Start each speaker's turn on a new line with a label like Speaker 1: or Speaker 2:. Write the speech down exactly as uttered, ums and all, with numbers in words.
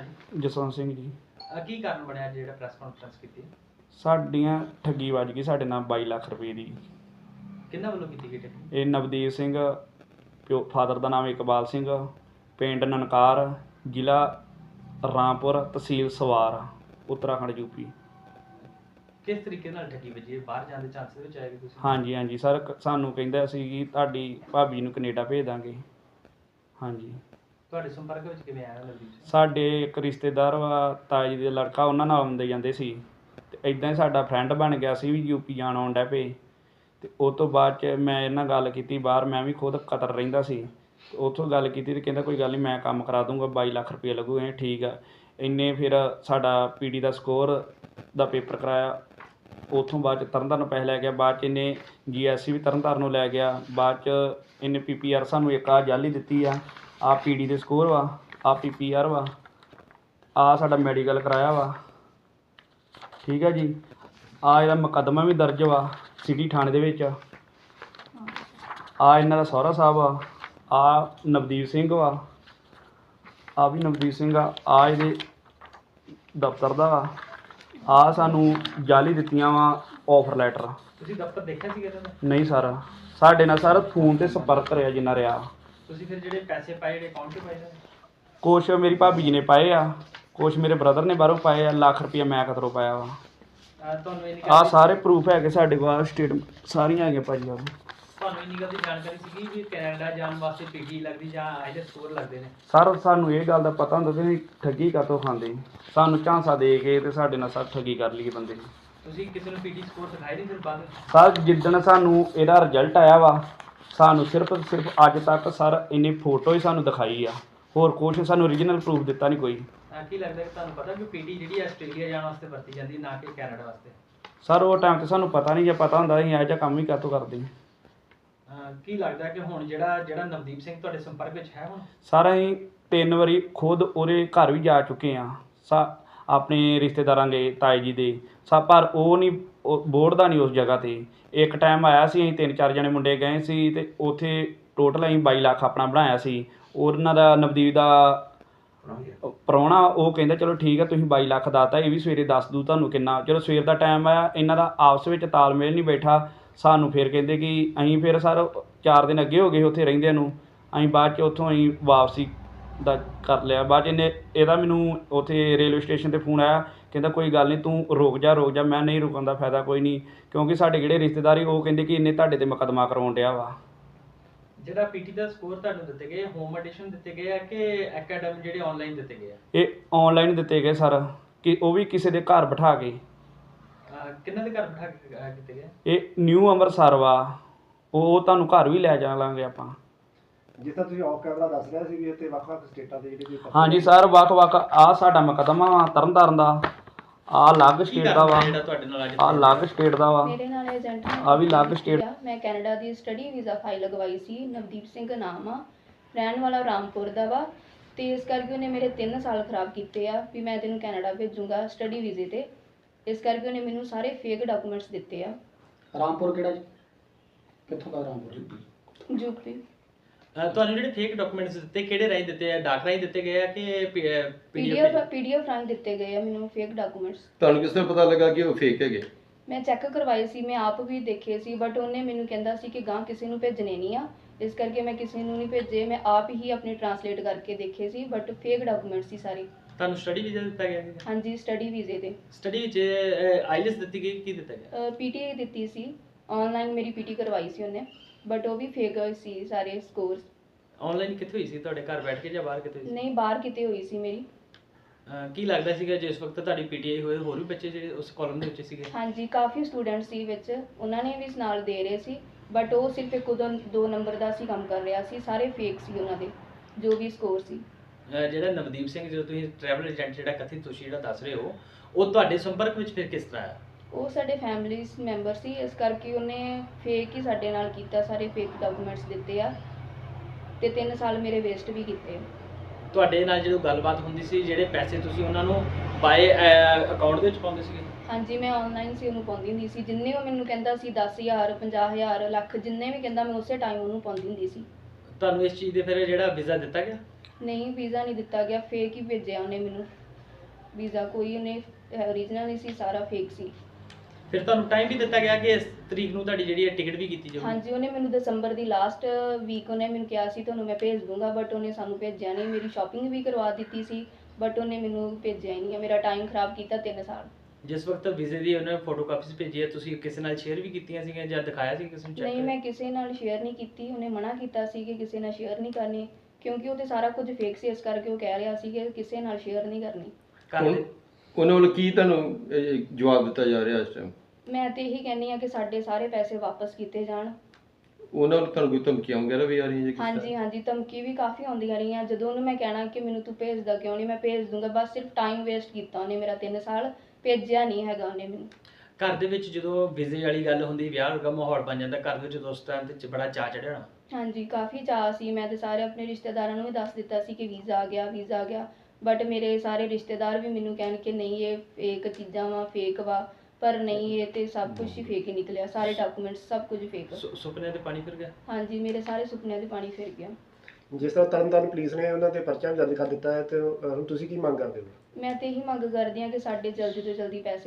Speaker 1: ਜੀ?
Speaker 2: ਜਸਵੰਤ ਸਿੰਘ ਜੀ।
Speaker 1: ਅਹ ਕੀ ਕਾਰਨ ਬਣਿਆ ਜਿਹੜਾ ਪ੍ਰੈਸ ਕਾਨਫਰੰਸ ਕੀਤੀ?
Speaker 2: ਸਾਡੀਆਂ ਠੱਗੀ ਵੱਜ ਗਈ ਸਾਡੇ ਨਾਲ ਬਾਈ ਲੱਖ ਰੁਪਏ ਦੀ।
Speaker 1: ਕਿਹਨਾਂ ਵੱਲੋਂ ਕੀਤੀ ਗਈ ਠੱਗੀ?
Speaker 2: ਇਹ ਨਵਦੀਪ ਸਿੰਘ, ਪਿਓ ਫਾਦਰ ਦਾ ਨਾਮ ਇਕਬਾਲ ਸਿੰਘ, ਪਿੰਡ ਨਨਕਾਰ, ਜ਼ਿਲ੍ਹਾ ਰਾਮਪੁਰ, ਤਹਿਸੀਲ ਸਵਾਰ, ਉੱਤਰਾਖੰਡ ਯੂਪੀ।
Speaker 1: ਕਿਸ ਤਰੀਕੇ ਨਾਲ ਠੱਗੀ ਵੱਜੀ? ਬਾਹਰ ਜਾਣ ਦੇ ਚਾਂਸ ਦੇ ਵਿੱਚ ਆਏਗਾ ਤੁਸੀਂ?
Speaker 2: ਹਾਂਜੀ ਹਾਂਜੀ ਸਰ, ਕ- ਸਾਨੂੰ ਕਹਿੰਦਾ ਸੀ ਕਿ ਤੁਹਾਡੀ ਭਾਬੀ ਨੂੰ ਕੈਨੇਡਾ ਭੇਜ ਦਾਂਗੇ। ਹਾਂਜੀ।
Speaker 1: ਤੁਹਾਡੇ ਸੰਪਰਕ ਵਿੱਚ ਕਿਵੇਂ ਆਇਆ ਨਵਦੀਪ ਸਿੰਘ?
Speaker 2: ਸਾਡੇ ਇੱਕ ਰਿਸ਼ਤੇਦਾਰ ਵਾ ਤਾਇਆ ਜੀ ਦਾ ਲੜਕਾ, ਉਹਨਾਂ ਨਾਲ ਆਉਂਦੇ ਜਾਂਦੇ ਸੀ ਅਤੇ ਇੱਦਾਂ ਹੀ ਸਾਡਾ ਫਰੈਂਡ ਬਣ ਗਿਆ ਸੀ ਵੀ ਯੂਪੀ ਜਾਣ ਆਉਣ ਡੈ ਪਏ। ਅਤੇ ਉਹ ਤੋਂ ਬਾਅਦ 'ਚ ਮੈਂ ਇਹਨਾਂ ਨਾਲ ਗੱਲ ਕੀਤੀ ਬਾਹਰ, ਮੈਂ ਵੀ ਖੁਦ ਕਤਰ ਰਹਿੰਦਾ ਸੀ। ਉੱਥੋਂ ਗੱਲ ਕੀਤੀ ਅਤੇ ਕਹਿੰਦਾ ਕੋਈ ਗੱਲ ਨਹੀਂ ਮੈਂ ਕੰਮ ਕਰਾ ਦੂੰਗਾ, ਬਾਈ ਲੱਖ ਰੁਪਏ ਲੱਗੂ। ਇਹ ਠੀਕ ਆ। ਇੰਨੇ ਫਿਰ ਸਾਡਾ ਪੀ ਡੀ ਦਾ ਸਕੋਰ ਦਾ ਪੇਪਰ ਕਰਾਇਆ। ਉੱਥੋਂ ਬਾਅਦ 'ਚ ਤਰਨਤਾਰਨ ਪੈਸੇ ਲੈ ਗਿਆ। ਬਾਅਦ 'ਚ ਇਹਨੇ ਜੀ ਐਸ ਸੀ ਵੀ ਤਰਨਤਾਰਨ ਨੂੰ ਲੈ ਗਿਆ। ਬਾਅਦ 'ਚ ਇਹਨੇ ਪੀ ਪੀ ਆਰ ਸਾਨੂੰ ਇੱਕ ਆਹ ਜਾਲੀ ਦਿੱਤੀ ਆ। ਆਹ ਪੀ ਡੀ ਦੇ ਸਕੋਰ ਵਾ, ਆਹ ਪੀ ਪੀ ਆਰ ਵਾ, ਆਹ ਸਾਡਾ ਮੈਡੀਕਲ ਕਰਾਇਆ ਵਾ। ਠੀਕ ਹੈ ਜੀ। ਆਹ ਇਹਦਾ ਮੁਕੱਦਮਾ ਵੀ ਦਰਜ ਵਾ ਸਿਟੀ ਥਾਣੇ ਦੇ ਵਿੱਚ। ਆਹ ਇਹਨਾਂ ਦਾ ਸਹੁਰਾ ਸਾਹਿਬ ਆ। ਆਹ ਨਵਦੀਪ ਸਿੰਘ ਵਾ, ਆਹ ਵੀ ਨਵਦੀਪ ਸਿੰਘ ਆ। ਆਹ ਇਹਦੇ ਦਫ਼ਤਰ ਦਾ ਵਾ। ਆਹ ਸਾਨੂੰ ਜਾਲੀ ਦਿੱਤੀਆਂ ਵਾ ਆਫਰ ਲੈਟਰ।
Speaker 1: ਤੁਸੀਂ ਦਫ਼ਤਰ ਦੇਖਿਆ ਸੀਗਾ ਇਹਨਾਂ ਦਾ?
Speaker 2: ਨਹੀਂ ਸਰ, ਸਾਡੇ ਨਾਲ ਸਰ ਫੋਨ 'ਤੇ ਸੰਪਰਕ ਰਿਹਾ ਜਿੰਨਾ ਰਿਹਾ।
Speaker 1: ਤੁਸੀਂ ਫਿਰ ਜਿਹੜੇ ਪੈਸੇ ਪਾਏ ਜਿਹੜੇ ਅਕਾਊਂਟ 'ਤੇ ਪਾਏ ਨੇ?
Speaker 2: ਕੁਛ ਮੇਰੀ ਭਾਬੀ ਜੀ ਨੇ ਪਾਏ ਆ, ਕੁਛ ਮੇਰੇ ਬ੍ਰਦਰ ਨੇ ਬਾਹਰੋਂ ਪਾਏ ਆ। ਲੱਖ ਰੁਪਈਆ ਮੈਂ ਕਿਧਰੋਂ ਪਾਇਆ ਵਾ।
Speaker 1: ਅਹ ਤੁਹਾਨੂੰ ਇੰਨੀ
Speaker 2: ਆਹ
Speaker 1: ਗੱਲ
Speaker 2: ਸਾਰੇ ਪ੍ਰੂਫ ਹੈਗੇ ਸਾਡੇ ਕੋਲ, ਸਟੇਟਮੈਂਟ ਸਾਰੀਆਂ ਹੈਗੀਆਂ ਭਾਜੀ। ਆਹ
Speaker 1: ਤੁਹਾਨੂੰ ਇੰਨੀ ਗੱਲ ਦੀ ਜਾਣਕਾਰੀ ਸੀਗੀ ਵੀ ਕੈਨੇਡਾ ਜਾਣ ਵਾਸਤੇ ਪੀਟੀ ਲੱਗਦੀ ਜਾਂ ਆਈਲੈਟ ਸਕੋਰ ਲੱਗਦੇ ਨੇ?
Speaker 2: ਸਰ ਸਾਨੂੰ ਇਹ ਗੱਲ ਦਾ ਪਤਾ ਹੁੰਦਾ ਸੀ ਠੱਗੀ ਕਾਹਤੋਂ ਖਾਂਦੇ। ਸਾਨੂੰ ਝਾਂਸਾ ਦੇ ਕੇ ਤੇ ਸਾਡੇ ਨਾਲ ਸਰ ਠੱਗੀ ਕਰ ਲਈ ਬੰਦੇ ਨੇ।
Speaker 1: ਤੁਸੀਂ ਕਿਸੇ ਨੂੰ ਪੀਟੀ ਸਕੋਰ ਦਿਖਾਏ ਨਹੀਂ ਫਿਰ ਬਾਅਦ ਵਿੱਚ?
Speaker 2: ਸਰ ਜਿੱਦਣ ਸਾਨੂੰ ਇਹਦਾ ਰਿਜ਼ਲਟ ਆਇਆ ਵਾ, ਸਾਨੂੰ ਸਿਰਫ ਸਿਰਫ ਅੱਜ ਤੱਕ ਸਰ ਇਹਨੇ ਫੋਟੋ ਹੀ ਸਾਨੂੰ ਦਿਖਾਈ ਆ, ਹੋਰ ਕੁਛ ਸਾਨੂੰ ਓਰੀਜਨਲ ਪ੍ਰੂਫ ਦਿੱਤਾ ਨਹੀਂ ਕੋਈ।
Speaker 1: ਅਹ ਕੀ ਲੱਗਦਾ ਕਿ ਤੁਹਾਨੂੰ ਪਤਾ ਕਿ ਪੀਟੀ ਜਿਹੜੀ ਹੈ ਆਸਟ੍ਰੇਲੀਆ ਜਾਣ ਵਾਸਤੇ ਵਰਤੀ ਜਾਂਦੀ ਨਾ ਕਿ ਕੈਨੇਡਾ ਵਾਸਤੇ?
Speaker 2: ਸਰ ਉਹ ਟਾਈਮ 'ਤੇ ਸਾਨੂੰ ਪਤਾ ਨਹੀਂ, ਜੇ ਪਤਾ ਹੁੰਦਾ ਅਸੀਂ ਇਹੋ ਜਿਹਾ ਕੰਮ ਹੀ ਕਾਹਤੋਂ ਕਰਦੇ।
Speaker 1: ਅਹ ਕੀ ਲੱਗਦਾ ਕਿ ਹੁਣ ਜਿਹੜਾ ਜਿਹੜਾ ਨਵਦੀਪ ਸਿੰਘ ਤੁਹਾਡੇ ਸੰਪਰਕ ਵਿੱਚ ਹੈ ਹੁਣ?
Speaker 2: ਸਰ ਅਸੀਂ ਤਿੰਨ ਵਾਰੀ ਖੁਦ ਉਹਦੇ ਘਰ ਵੀ ਜਾ ਚੁੱਕੇ ਹਾਂ, ਸਾ ਆਪਣੇ ਰਿਸ਼ਤੇਦਾਰਾਂ ਦੇ, ਤਾਏ ਜੀ ਦੇ ਸਾ, ਪਰ ਉਹ ਨਹੀਂ ਬੋੜਦਾ ਨਹੀਂ ਉਸ ਜਗ੍ਹਾ 'ਤੇ। ਇੱਕ ਟਾਈਮ ਆਇਆ ਸੀ, ਅਸੀਂ ਤਿੰਨ ਚਾਰ ਜਣੇ ਮੁੰਡੇ ਗਏ ਸੀ ਅਤੇ ਉੱਥੇ ਟੋਟਲ ਅਸੀਂ ਬਾਈ ਲੱਖ ਆਪਣਾ ਬਣਾਇਆ ਸੀ। ਉਹਨਾਂ ਦਾ ਨਵਦੀਪ ਦਾ ਪ੍ਰਾਹੁਣਾ ਉਹ ਕਹਿੰਦਾ ਚਲੋ ਠੀਕ ਹੈ ਤੁਸੀਂ ਬਾਈ ਲੱਖ ਦਾਤਾ, ਇਹ ਵੀ ਸਵੇਰੇ ਦੱਸ ਦੂ ਤੁਹਾਨੂੰ ਕਿੰਨਾ। ਚਲੋ ਸਵੇਰ ਦਾ ਟਾਈਮ ਆਇਆ, ਇਹਨਾਂ ਦਾ ਆਪਸ ਵਿੱਚ ਤਾਲਮੇਲ ਨਹੀਂ ਬੈਠਾ। ਸਾਨੂੰ ਫਿਰ ਕਹਿੰਦੇ ਕਿ ਅਸੀਂ ਫਿਰ ਸਰ ਚਾਰ ਦਿਨ ਅੱਗੇ ਹੋ ਗਏ ਉੱਥੇ ਰਹਿੰਦਿਆਂ ਨੂੰ। ਅਸੀਂ ਬਾਅਦ 'ਚ ਉੱਥੋਂ ਅਸੀਂ ਵਾਪਸੀ ਦਾ ਕਰ ਲਿਆ। ਬਾਅਦ 'ਚ ਇਹਨੇ ਇਹਦਾ ਮੈਨੂੰ ਉੱਥੇ ਰੇਲਵੇ ਸਟੇਸ਼ਨ 'ਤੇ ਫੋਨ ਆਇਆ, ਕਹਿੰਦਾ ਕੋਈ ਗੱਲ ਨਹੀਂ ਤੂੰ ਰੁਕ ਜਾ ਰੁਕ ਜਾ। ਮੈਂ ਨਹੀਂ ਰੁਕਣ ਦਾ ਫਾਇਦਾ ਕੋਈ ਨਹੀਂ, ਕਿਉਂਕਿ ਸਾਡੇ ਜਿਹੜੇ ਰਿਸ਼ਤੇਦਾਰ ਉਹ ਕਹਿੰਦੇ ਕਿ ਇਹਨੇ ਤੁਹਾਡੇ 'ਤੇ ਮੁਕੱਦਮਾ ਕਰਵਾਉਣ ਡਿਆ ਵਾ।
Speaker 1: ਜਿਹੜਾ ਪੀਟੀ ਦਾ ਸਕੋਰ ਤੁਹਾਨੂੰ ਦਿੱਤੇ ਗਏ ਹੋਮ ਐਡੀਸ਼ਨ ਦਿੱਤੇ ਗਏ ਆ ਕਿ ਅਕੈਡਮੀ ਜਿਹੜੇ ਆਨਲਾਈਨ ਦਿੱਤੇ ਗਏ ਆ?
Speaker 2: ਇਹ ਆਨਲਾਈਨ ਦਿੱਤੇ ਗਏ ਸਰ, ਕਿ ਉਹ ਵੀ ਕਿਸੇ ਦੇ ਘਰ ਬਿਠਾ ਕੇ।
Speaker 1: ਅਹ ਕਿਹਨਾਂ ਦੇ ਘਰ ਬਿਠਾ ਕੇ ਅਹ ਕੀਤੇ ਗਏ?
Speaker 2: ਇਹ ਨਿਊ ਅੰਮ੍ਰਿਤਸਰ ਵਾ, ਉਹ ਤੁਹਾਨੂੰ ਘਰ ਵੀ ਲੈ ਜਾਵਾਂਗੇ ਆਪਾਂ।
Speaker 3: ਜਿਸ ਤਰ੍ਹਾਂ ਤੁਸੀਂ ਆਫ ਕੈਮਰਾ ਦੱਸ ਰਿਹਾ ਸੀ ਵੀ ਇੱਥੇ ਵੱਖ-ਵੱਖ ਸਟੇਟਾਂ ਦੇ ਜਿਹੜੇ ਵੀ
Speaker 2: ਹਾਂਜੀ ਸਰ, ਵੱਖ-ਵੱਖ ਆਹ ਸਾਡਾ ਮੁਕੱਦਮਾ ਵਾ ਤਰਨਤਾਰਨ ਦਾ, ਆਹ ਅਲੱਗ
Speaker 1: ਕੀ
Speaker 2: ਸਟੇਟ ਦਾ
Speaker 1: ਕਾਰਨ
Speaker 2: ਵਾ,
Speaker 1: ਜਿਹੜਾ ਤੁਹਾਡੇ ਨਾਲ ਅੱਜ
Speaker 2: ਆਹ ਅਲੱਗ ਸਟੇਟ ਦਾ ਵਾ,
Speaker 4: ਮੇਰੇ ਨਾਲ ਏਜੰਟ ਨੇ
Speaker 2: ਆਹ ਵੀ ਅਲੱਗ ਸਟੇਟ।
Speaker 4: ਮੈਂ ਕੈਨੇਡਾ ਦੀ ਸਟੱਡੀ ਵੀਜ਼ਾ ਫਾਈਲ ਲਗਵਾਈ ਸੀ। ਨਵਦੀਪ ਸਿੰਘ ਨਾਮ ਆ, ਰਹਿਣ ਵਾਲਾ ਰਾਮਪੁਰ ਦਾ ਵਾ, ਤੇ ਇਸ ਕਰਕੇ ਉਹਨੇ ਮੇਰੇ ਤਿੰਨ ਸਾਲ ਖਰਾਬ ਕੀਤੇ ਆ ਵੀ ਮੈਂ ਤੈਨੂੰ ਕੈਨੇਡਾ ਭੇਜੂੰਗਾ ਸਟੱਡੀ ਵੀਜ਼ੇ ਤੇ। ਇਸ ਕਰਕੇ ਉਹਨੇ ਮੈਨੂੰ ਸਾਰੇ ਫੇਕ ਡਾਕੂਮੈਂਟਸ ਦਿੱਤੇ ਆ।
Speaker 5: ਰਾਮਪੁਰ ਕਿਹੜਾ ਜੀ? ਕਿੱਥੋਂ ਦਾ ਰਾਮਪੁਰ?
Speaker 4: ਯੂਪੀ।
Speaker 1: ਅਹ ਤੁਹਾਨੂੰ ਜਿਹੜੇ ਫੇਕ ਡਾਕੂਮੈਂਟਸ ਦਿੱਤੇ ਕਿਹੜੇ ਰਾਹੀਂ ਦਿੱਤੇ ਆ? ਡਾਕ ਰਾਹੀਂ ਦਿੱਤੇ ਗਏ ਆ ਕਿ
Speaker 4: ਪੀਡੀਐਫ
Speaker 1: ਪੀਡੀਐਫ?
Speaker 4: ਪੀਡੀਐਫ ਰਾਹੀਂ ਦਿੱਤੇ ਗਏ ਆ ਮੈਨੂੰ ਫੇਕ ਡਾਕੂਮੈਂਟਸ।
Speaker 6: ਤੁਹਾਨੂੰ ਕਿਸ ਤਰ੍ਹਾਂ ਪਤਾ ਲੱਗਾ ਕਿ ਉਹ ਫੇਕ ਹੈਗੇ?
Speaker 4: ਮੈਂ ਚੈੱਕ ਕਰਵਾਏ ਸੀ, ਮੈਂ ਆਪ ਵੀ ਦੇਖੇ ਸੀ, ਬਟ ਉਹਨੇ ਮੈਨੂੰ ਕਹਿੰਦਾ ਸੀ ਕਿ ਗਾਂ ਕਿਸੇ ਨੂੰ ਭੇਜਣੇ ਨਹੀਂ ਆ, ਇਸ ਕਰਕੇ ਮੈਂ ਕਿਸੇ ਨੂੰ ਨਹੀਂ ਭੇਜੇ। ਮੈਂ ਆਪ ਹੀ ਆਪਣੀ ਟਰਾਂਸਲੇਟ ਕਰਕੇ ਦੇਖੇ ਸੀ, ਬਟ ਫੇਕ ਡਾਕੂਮੈਂਟਸ ਸੀ ਸਾਰੇ।
Speaker 1: ਤੁਹਾਨੂੰ ਸਟੱਡੀ ਵੀਜ਼ਾ ਦਿੱਤਾ ਗਿਆ ਸੀ?
Speaker 4: ਹਾਂਜੀ, ਸਟੱਡੀ ਵੀਜ਼ੇ ਤੇ।
Speaker 1: ਸਟੱਡੀ ਵਿੱਚ ਆਈਲੈਟਸ ਦਿੱਤੀ ਗਈ, ਕੀ ਦਿੱਤਾ ਗਿਆ?
Speaker 4: ਪੀਟੀ ਦਿੱਤੀ ਸੀ, ਆਨਲਾਈਨ ਮੇਰੀ ਪੀਟੀ ਕਰਵਾਈ ਸੀ ਉਹਨੇ, ਬਟ ਉਹ ਵੀ ਫੇਕ ਸੀ ਸਾਰੇ ਸਕੋਰਸ।
Speaker 1: ਆਨਲਾਈਨ ਕਿੱਥੇ ਹੋਈ ਸੀ? ਤੁਹਾਡੇ ਘਰ ਬੈਠ ਕੇ ਜਾਂ ਬਾਹਰ ਕਿਤੇ ਹੋਈ ਸੀ?
Speaker 4: ਨਹੀਂ, ਬਾਹਰ ਕਿਤੇ ਹੋਈ ਸੀ ਮੇਰੀ।
Speaker 1: ਅਹ ਕੀ ਲੱਗਦਾ ਸੀਗਾ ਜਿਸ ਵਕਤ ਤੁਹਾਡੀ ਪੀਟੀਆਈ ਹੋਏ ਹੋਰ ਵੀ ਬੱਚੇ ਜਿਹੜੇ ਉਸ ਕਾਲਮ ਦੇ ਵਿੱਚ ਸੀਗੇ?
Speaker 4: ਹਾਂਜੀ, ਕਾਫੀ ਸਟੂਡੈਂਟ ਸੀ ਵਿੱਚ, ਉਹਨਾਂ ਨੇ ਵੀ ਨਾਲ ਦੇ ਰਹੇ ਸੀ, ਬਟ ਉਹ ਸਿਰਫ ਇੱਕ ਉਦੋਂ ਦੋ ਨੰਬਰ ਦਾ ਸੀ ਕੰਮ ਕਰ ਰਿਹਾ ਸੀ। ਸਾਰੇ ਫੇਕ ਸੀ ਉਹਨਾਂ ਦੇ ਜੋ ਵੀ ਸਕੋਰ ਸੀ।
Speaker 1: ਅਹ ਜਿਹੜਾ ਨਵਦੀਪ ਸਿੰਘ ਜਦੋਂ ਤੁਸੀਂ ਟਰੈਵਲ ਏਜੰਟ ਜਿਹੜਾ ਕਥਿਤ ਤੁਸੀਂ ਜਿਹੜਾ ਦੱਸ ਰਹੇ ਹੋ, ਉਹ ਤੁਹਾਡੇ ਸੰਪਰਕ ਵਿੱਚ ਫਿਰ ਕਿਸ ਤਰ੍ਹਾਂ ਆਇਆ?
Speaker 4: ਉਹ ਸਾਡੇ ਫੈਮਿਲੀ ਮੈਂਬਰ ਸੀ, ਇਸ ਕਰਕੇ ਉਹਨੇ ਫੇਕ ਹੀ ਸਾਡੇ ਨਾਲ ਕੀਤਾ, ਸਾਰੇ ਫੇਕ ਡਾਕੂਮੈਂਟਸ ਦਿੱਤੇ ਆ ਤੇ ਤਿੰਨ ਸਾਲ ਮੇਰੇ ਵੇਸਟ ਵੀ ਕੀਤੇ।
Speaker 1: ਤੁਹਾਡੇ ਨਾਲ ਜਦੋਂ ਗੱਲਬਾਤ ਹੁੰਦੀ ਸੀ, ਜਿਹੜੇ ਪੈਸੇ ਤੁਸੀਂ ਉਹਨਾਂ ਨੂੰ ਬਾਏ ਅਕਾਊਂਟ ਦੇ ਵਿੱਚ ਪਾਉਂਦੇ ਸੀਗੇ?
Speaker 4: ਹਾਂਜੀ, ਮੈਂ ਆਨਲਾਈਨ ਸੀ ਉਹਨੂੰ ਪਾਉਂਦੀ ਹੁੰਦੀ ਸੀ। ਜਿੰਨੇ ਉਹ ਮੈਨੂੰ ਕਹਿੰਦਾ ਸੀ ਦਸ ਹਜ਼ਾਰ, ਪੰਜਾਹ ਹਜ਼ਾਰ, ਲੱਖ, ਜਿੰਨੇ ਵੀ ਕਹਿੰਦਾ ਮੈਂ ਉਸੇ ਟਾਈਮ ਉਹਨੂੰ ਪਾਉਂਦੀ ਹੁੰਦੀ ਸੀ।
Speaker 1: ਤੁਹਾਨੂੰ ਇਸ ਚੀਜ਼ ਦੇ ਫਿਰ ਜਿਹੜਾ ਵੀਜ਼ਾ ਦਿੱਤਾ ਗਿਆ?
Speaker 4: ਨਹੀਂ ਵੀਜ਼ਾ ਨਹੀਂ ਦਿੱਤਾ ਗਿਆ, ਫੇਕ ਹੀ ਭੇਜਿਆ ਉਹਨੇ ਮੈਨੂੰ ਵੀਜ਼ਾ, ਕੋਈ ਉਹਨੇ ਓਰੀਜਨਲ ਨਹੀਂ ਸੀ, ਸਾਰਾ ਫੇਕ ਸੀ।
Speaker 1: ਫਿਰ ਤੁਹਾਨੂੰ ਟਾਈਮ ਵੀ ਦਿੱਤਾ ਗਿਆ ਕਿ ਇਸ ਤਰੀਕ ਨੂੰ ਤੁਹਾਡੀ ਜਿਹੜੀ ਹੈ ਟਿਕਟ ਵੀ ਕੀਤੀ ਜਾਊਗੀ?
Speaker 4: ਹਾਂਜੀ, ਉਹਨੇ ਮੈਨੂੰ ਦਸੰਬਰ ਦੀ ਲਾਸਟ ਵੀਕ ਉਹਨੇ ਮੈਨੂੰ ਕਿਹਾ ਸੀ ਤੁਹਾਨੂੰ ਮੈਂ ਭੇਜ ਦੂੰਗਾ, ਬਟ ਉਹਨੇ ਸਾਨੂੰ ਭੇਜਿਆ ਨਹੀਂ। ਮੇਰੀ ਸ਼ਾਪਿੰਗ ਵੀ ਕਰਵਾ ਦਿੱਤੀ ਸੀ, ਬਟ ਉਹਨੇ ਮੈਨੂੰ ਭੇਜਿਆ ਹੀ ਨਹੀਂ, ਮੇਰਾ ਟਾਈਮ ਖਰਾਬ ਕੀਤਾ ਤਿੰਨ ਸਾਲ।
Speaker 1: ਜਿਸ ਵਕਤ ਵੀਜ਼ੇ ਦੀ ਉਹਨੇ ਫੋਟੋ ਕਾਪੀਸ ਭੇਜੀ ਹੈ, ਤੁਸੀਂ ਕਿਸੇ ਨਾਲ ਸ਼ੇਅਰ ਵੀ ਕੀਤੀਆਂ ਸੀਗੀਆਂ ਜਾਂ ਦਿਖਾਇਆ ਸੀ ਕਿਸੇ ਨੂੰ ਚੈੱਕ?
Speaker 4: ਨਹੀਂ, ਮੈਂ ਕਿਸੇ ਨਾਲ ਸ਼ੇਅਰ ਨਹੀਂ ਕੀਤੀ, ਉਹਨੇ ਮਨਾ ਕੀਤਾ ਸੀ ਕਿ ਕਿਸੇ ਨਾਲ ਸ਼ੇਅਰ ਨਹੀਂ ਕਰਨੀ, ਕਿਉਂਕਿ ਉਹ ਤੇ ਸਾਰਾ ਕੁਝ ਫੇਕ ਸੀ, ਇਸ ਕਰਕੇ ਉਹ ਕਹਿ ਰਿਹਾ ਸੀ ਕਿ ਕਿਸੇ ਨਾਲ ਸ਼ੇਅਰ ਨਹੀਂ ਕਰਨੀ।
Speaker 1: ਘਰ
Speaker 6: ਹੁਣ
Speaker 1: ਦੇ
Speaker 6: ਉਹਨਾਂ ਵੱਲੋਂ ਕੀ ਤੁਹਾਨੂੰ ਇਹ, ਜਵਾਬ ਦਿੱਤਾ ਜਾ ਰਿਹਾ ਇਸ ਟਾਈਮ?
Speaker 4: ਮੈਂ ਤੇ ਇਹੀ ਕਹਿੰਦੀ ਆ ਕਿ ਸਾਡੇ ਸਾਰੇ ਪੈਸੇ ਵਾਪਸ ਕੀਤੇ ਜਾਣ।
Speaker 6: ਉਹਨਾਂ ਵੱਲੋਂ ਤੁਹਾਨੂੰ ਕੋਈ ਧਮਕੀਆਂ ਵਗੈਰਾ ਵੀ ਆ ਰਹੀਆਂ ਜੀ ਕਿਸ
Speaker 4: ਹਾਂਜੀ
Speaker 6: ਤਰ੍ਹਾਂ?
Speaker 4: ਹਾਂਜੀ, ਧਮਕੀ ਵੀ ਕਾਫੀ ਆਉਂਦੀਆਂ ਰਹੀਆਂ। ਜਦੋਂ ਉਹਨੂੰ ਮੈਂ ਕਹਿਣਾ ਕਿ ਮੈਨੂੰ ਤੂੰ ਭੇਜਦਾ ਕਿਉਂ ਨਹੀਂ, ਮੈਂ ਭੇਜ ਦੂੰਗਾ, ਬਸ ਸਿਰਫ ਟਾਈਮ ਵੇਸਟ ਕੀਤਾ ਉਹਨੇ ਮੇਰਾ, ਤਿੰਨ ਸਾਲ ਭੇਜਿਆ ਨਹੀਂ ਹੈਗਾ ਉਹਨੇ ਮੈਨੂੰ।
Speaker 1: ਘਰ ਦੇ ਵਿੱਚ ਜਦੋਂ ਵੀਜ਼ੇ ਵਾਲੀ ਗੱਲ ਹੁੰਦੀ, ਵਿਆਹ ਵਰਗਾ ਮਾਹੌਲ ਬਣ ਜਾਂਦਾ ਘਰ ਦੇ ਵਿੱਚ, ਉਸ ਟਾਈਮ ਤੇ ਬੜਾ ਚਾਅ ਚੜਿਆ ਹੋਣਾ?
Speaker 4: ਹਾਂਜੀ, ਕਾਫੀ ਚਾਅ ਸੀ। ਮੈਂ ਤੇ ਸਾਰੇ ਆਪਣੇ ਰਿਸ਼ਤੇਦਾਰਾਂ ਨੂੰ ਵੀ ਦੱਸ ਦਿੱਤਾ ਸੀ ਕਿ ਵੀਜ਼ਾ ਆ ਗਿਆ, ਵੀਜ਼ਾ ਆ ਗਿਆ, ਬਟ ਮੇਰੇ ਸਾਰੇ ਰਿਸ਼ਤੇਦਾਰ ਵੀ ਮੈਨੂੰ ਕਹਿਣ ਕਿ ਨਹੀਂ ਇਹ ਫੇਕ ਚੀਜ਼ਾਂ ਵਾ, ਫੇਕ ਵਾ, ਪਰ ਨਹੀਂ, ਇਹ ਤੇ ਸਭ ਕੁਝ ਹੀ ਫੇਕ ਹੀ ਨਿਕਲਿਆ, ਸਾਰੇ ਡਾਕੂਮੈਂਟਸ ਸਭ ਕੁਝ ਫੇਕ।
Speaker 1: ਸੁ- ਸੁਪਨਿਆਂ ਤੇ ਪਾਣੀ ਫਿਰ ਗਿਆ?
Speaker 4: ਹਾਂਜੀ, ਮੇਰੇ ਸਾਰੇ ਸੁਪਨਿਆਂ ਦੇ ਪਾਣੀ ਫਿਰ ਗਿਆ।
Speaker 3: ਜਿਸ ਤਰ੍ਹਾਂ ਤਰਨਤਾਰਨ ਪੁਲਿਸ ਨੇ ਉਹਨਾਂ ਤੇ ਪਰਚਾ ਵੀ ਦਰਜ ਕਰ ਦਿੱਤਾ ਹੈ, ਤੇ ਅਹ, ਹੁਣ ਤੁਸੀਂ ਕੀ ਮੰਗ ਕਰਦੇ ਹੋ?
Speaker 4: ਮੈਂ ਤੇ ਇਹੀ ਮੰਗ ਕਰਦੀ ਹਾਂ ਕਿ ਸਾਡੇ ਜਲਦੀ ਤੋਂ ਜਲਦੀ ਪੈਸੇ